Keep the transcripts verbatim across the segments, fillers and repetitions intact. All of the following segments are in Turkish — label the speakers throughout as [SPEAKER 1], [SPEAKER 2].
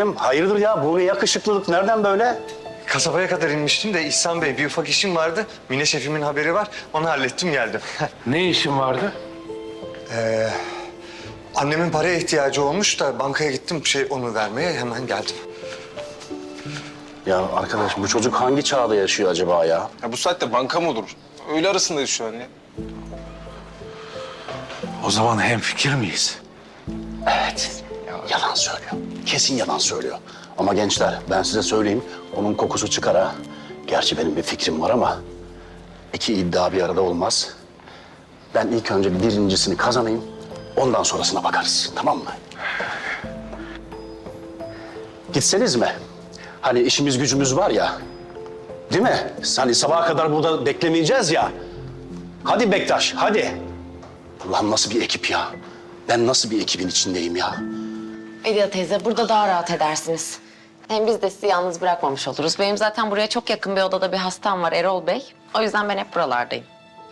[SPEAKER 1] ederim. Hayırdır ya? Bu ne yakışıklılık? Nereden böyle?
[SPEAKER 2] Kasabaya kadar inmiştim de İhsan Bey bir ufak işim vardı. Mine şefimin haberi var. Onu hallettim geldim.
[SPEAKER 3] Ne işin vardı?
[SPEAKER 2] ee, annemin paraya ihtiyacı olmuş da bankaya gittim şey onu vermeye hemen geldim.
[SPEAKER 1] Ya arkadaş bu çocuk hangi çağda yaşıyor acaba ya?
[SPEAKER 4] Ya bu saatte banka mı olur? Öğle arasındayız şu an ya.
[SPEAKER 3] O zaman hemfikir miyiz?
[SPEAKER 1] Evet. Yalan söylüyor. Kesin yalan söylüyor. Ama gençler ben size söyleyeyim. Onun kokusu çıkar ha. Gerçi benim bir fikrim var ama iki iddia bir arada olmaz. Ben ilk önce birincisini kazanayım. Ondan sonrasına bakarız. Tamam mı? Gitseniz mi? Hani işimiz gücümüz var ya. Değil mi? Hani sabaha kadar burada beklemeyeceğiz ya. Hadi Bektaş, hadi. Ulan nasıl bir ekip ya? Ben nasıl bir ekibin içindeyim ya?
[SPEAKER 5] Bedia teyze, burada daha rahat edersiniz. Hem biz de sizi yalnız bırakmamış oluruz. Benim zaten buraya çok yakın bir odada bir hastam var, Erol Bey. O yüzden ben hep buralardayım.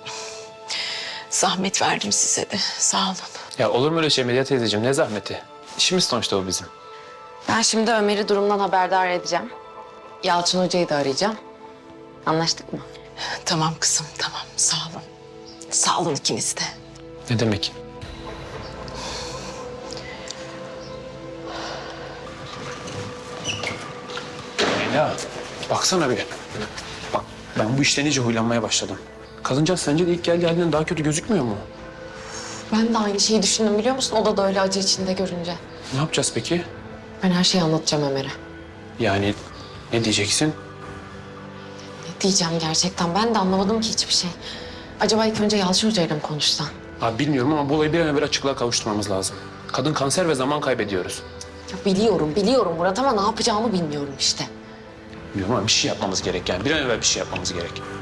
[SPEAKER 6] Zahmet verdim size de. Sağ olun.
[SPEAKER 7] Ya olur mu öyle şey Medya teyzeciğim? Ne zahmeti? İşimiz sonuçta o bizim.
[SPEAKER 5] Ben şimdi Ömer'i durumdan haberdar edeceğim. Yalçın Hoca'yı da arayacağım. Anlaştık mı?
[SPEAKER 6] Tamam kızım, tamam. Sağ olun. Sağ olun ikiniz de.
[SPEAKER 7] Ne demek? Leyla, baksana bir. Bak ben bu işten iyice huylanmaya başladım. Kadıncağız sence de ilk geldiği halinden daha kötü gözükmüyor mu?
[SPEAKER 5] Ben de aynı şeyi düşündüm biliyor musun? O da da öyle acı içinde görünce.
[SPEAKER 7] Ne yapacağız peki?
[SPEAKER 5] Ben her şeyi anlatacağım Ömer'e.
[SPEAKER 7] Yani ne diyeceksin?
[SPEAKER 5] Ne diyeceğim gerçekten? Ben de anlamadım ki hiçbir şey. Acaba ilk önce Yalçın Hoca'yla mı konuşsan?
[SPEAKER 7] Abi bilmiyorum ama bu olayı bir an evvel açıklığa kavuşturmamız lazım. Kadın kanser ve zaman kaybediyoruz.
[SPEAKER 5] Ya biliyorum, biliyorum Murat ama ne yapacağımı bilmiyorum işte.
[SPEAKER 7] Bilmiyorum ama bir şey yapmamız gerek yani. Bir an evvel bir şey yapmamız gerek.